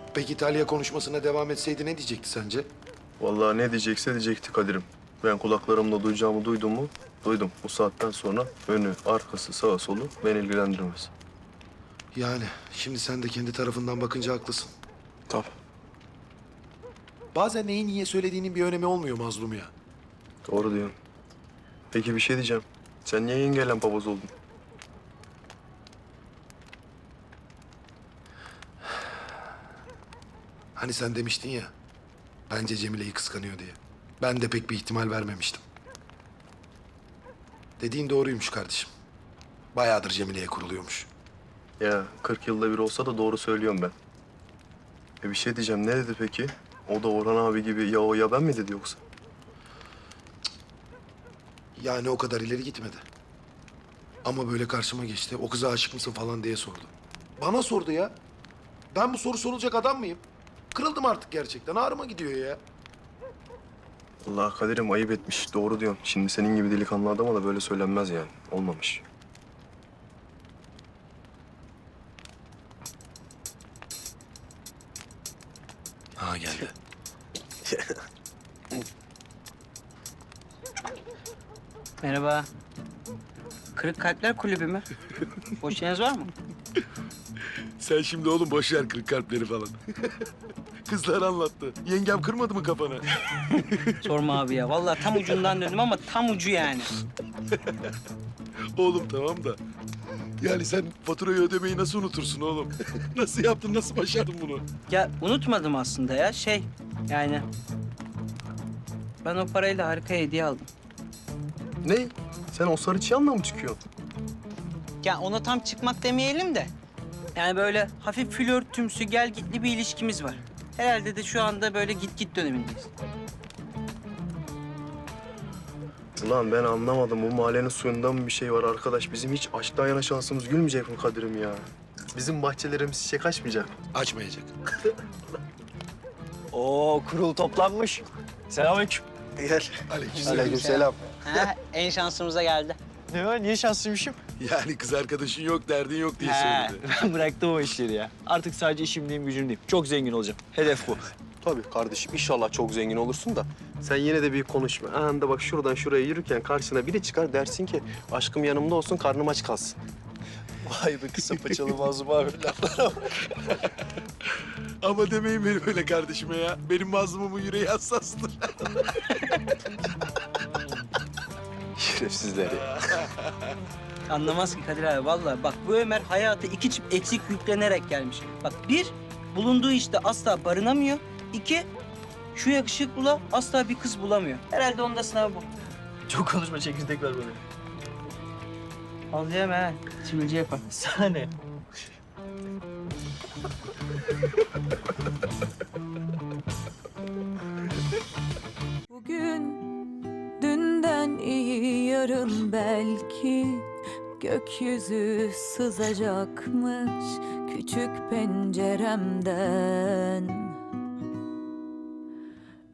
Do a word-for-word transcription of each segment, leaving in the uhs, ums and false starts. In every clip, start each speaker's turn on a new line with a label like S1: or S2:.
S1: Peki İtalya konuşmasına devam etseydi ne diyecekti sence?
S2: Vallahi ne diyecekse diyecekti Kadir'im. Ben kulaklarımla duyacağımı duydum mu? Duydum. Bu saatten sonra önü, arkası, sağa, solu beni ilgilendirmez.
S1: Yani şimdi sen de kendi tarafından bakınca haklısın.
S2: Tabii.
S1: Bazen neyi niye söylediğinin bir önemi olmuyor mazlum ya.
S2: Doğru diyorsun. Peki bir şey diyeceğim. Sen niye yengeyle papaz oldun?
S1: Hani sen demiştin ya, bence Cemile'yi kıskanıyor diye. Ben de pek bir ihtimal vermemiştim. Dediğin doğruymuş kardeşim. Bayağıdır Cemile'ye kuruluyormuş.
S2: Ya kırk yılda bir olsa da doğru söylüyorum ben. E bir şey diyeceğim. Ne dedi peki? O da Orhan abi gibi ya o ya ben mi dedi yoksa?
S1: Yani o kadar ileri gitmedi. Ama böyle karşıma geçti. O kıza aşık mısın falan diye sordu. Bana sordu ya. Ben bu soru sorulacak adam mıyım? Kırıldım artık gerçekten. Ağrıma gidiyor ya.
S2: Allah Kadir'im ayıp etmiş. Doğru diyorsun. Şimdi senin gibi delikanlı adama da böyle söylenmez yani. Olmamış.
S1: Ha geldi.
S3: Merhaba. Kırık Kalpler Kulübü mü? Boş yeriniz var mı?
S1: Sen şimdi oğlum boş ver kırık kalpleri falan. Kızlar anlattı. Yengem kırmadı mı kafanı?
S3: Sorma abi ya. Vallahi tam ucundan döndüm ama tam ucu yani.
S1: Oğlum tamam da. Yani sen faturayı ödemeyi nasıl unutursun oğlum? Nasıl yaptın, nasıl başardın bunu?
S3: Ya unutmadım aslında ya. Şey yani... Ben o parayla harika hediye aldım.
S2: Ne? Sen o sarı çıyanla mı çıkıyorsun?
S3: Ya ona tam çıkmak demeyelim de. Yani böyle hafif flörtümsü, gel gitli bir ilişkimiz var. Herhalde de şu anda böyle git git dönemindeyiz.
S2: Ulan ben anlamadım. Bu mahallenin suyunda mı bir şey var arkadaş? Bizim hiç aşktan yana şansımız gülmeyecek mi Kadir'im ya? Bizim bahçelerimiz çiçek açmayacak mı?
S1: Açmayacak.
S4: Oo, kurul toplanmış. Selamünaleyküm.
S2: Gel.
S1: Aleykümselam.
S2: Aleykümselam.
S3: Ha, en şansımıza geldi.
S4: Ne var? Niye şanslıymışım?
S1: Yani kız arkadaşın yok, derdin yok diye
S4: He,
S1: söyledi.
S4: ben bıraktım o işleri ya. Artık sadece işimdeyim, gücümdeyim. Çok zengin olacağım. Hedef bu.
S2: Tabii kardeşim inşallah çok zengin olursun da sen yine de bir konuşma. Anda bak şuradan şuraya yürürken karşına biri çıkar dersin ki aşkım yanımda olsun karnım aç kalsın.
S4: Vay be kısa paçalı mazlum abi laflara bak.
S1: Ama demeyin benim öyle kardeşime ya. Benim mazlumumun yüreği hassastır.
S2: Şerefsizler ya.
S3: Anlamaz ki Kadir abi vallahi. Bak bu Ömer hayata iki çift eksik yüklenerek gelmiş. Bak bir, bulunduğu işte asla barınamıyor. İki, şu yakışıklıla asla bir kız bulamıyor. Herhalde onda sınav bu.
S4: Çok konuşma, çekirdek ver bana.
S3: Al yeme ha. Sivilce yapar.
S4: Sana ne?
S5: Bugün dünden iyi yarın belki gökyüzü sızacakmış küçük penceremden.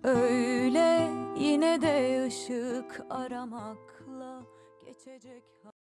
S5: Öyle yine de ışık aramakla geçecek.